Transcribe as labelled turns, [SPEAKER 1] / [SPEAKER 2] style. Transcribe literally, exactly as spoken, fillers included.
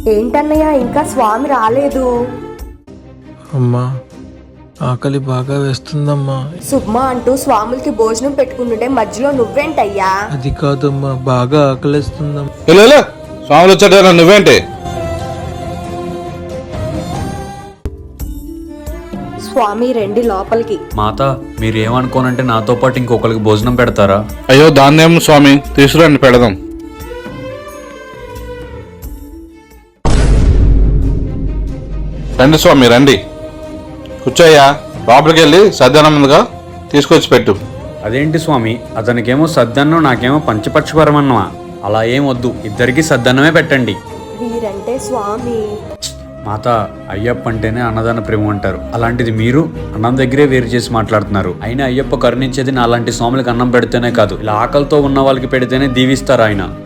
[SPEAKER 1] ఏంటన్నయ్య ఇంకా స్వామి రాలేదు?
[SPEAKER 2] అమ్మా ఆకలి బాగా వేస్తుందమ్మా.
[SPEAKER 1] సుబ్మా అంటూ స్వాములకి భోజనం పెట్టుకుంటుంటే మధ్యలో నువ్వేంటయ్యా?
[SPEAKER 2] అది కాదమ్మా, బాగా ఆకలిస్తుందమ్మా.
[SPEAKER 3] ఇలా స్వాములు వచ్చాడు, నువ్వేంటి?
[SPEAKER 1] స్వామి రండి లోపలికి.
[SPEAKER 4] మాత, మీరేమనుకోనంటే నాతో పాటు ఇంకొకరికి భోజనం పెడతారా?
[SPEAKER 3] అయ్యో దాన్నేం స్వామి, తీసుకురండి పెడదాం. రండి స్వామి రండి, కూర్చోయ్యా. లోపలికి వెళ్ళి సద్యానం ముందుగా తీసుకొచ్చి పెట్టు.
[SPEAKER 4] అదేంటి స్వామి, అతనికేమో సద్దన్నం, నాకేమో పంచపక్షపరమన్నమా? అలా ఏం వద్దు, ఇద్దరికి సద్దన్నమే పెట్టండి.
[SPEAKER 1] వీరంటే స్వామి.
[SPEAKER 4] మాత, అయ్యప్ప అంటేనే అన్నదాన ప్రేమ అంటారు. అలాంటిది మీరు అన్నం దగ్గరే వేరు చేసి మాట్లాడుతున్నారు. అయినా అయ్యప్ప కరుణించేది నా అలాంటి స్వాములకు అన్నం పెడితేనే కాదు, ఇలా ఆకలితో ఉన్న వాళ్ళకి పెడితేనే దీవిస్తారు ఆయన.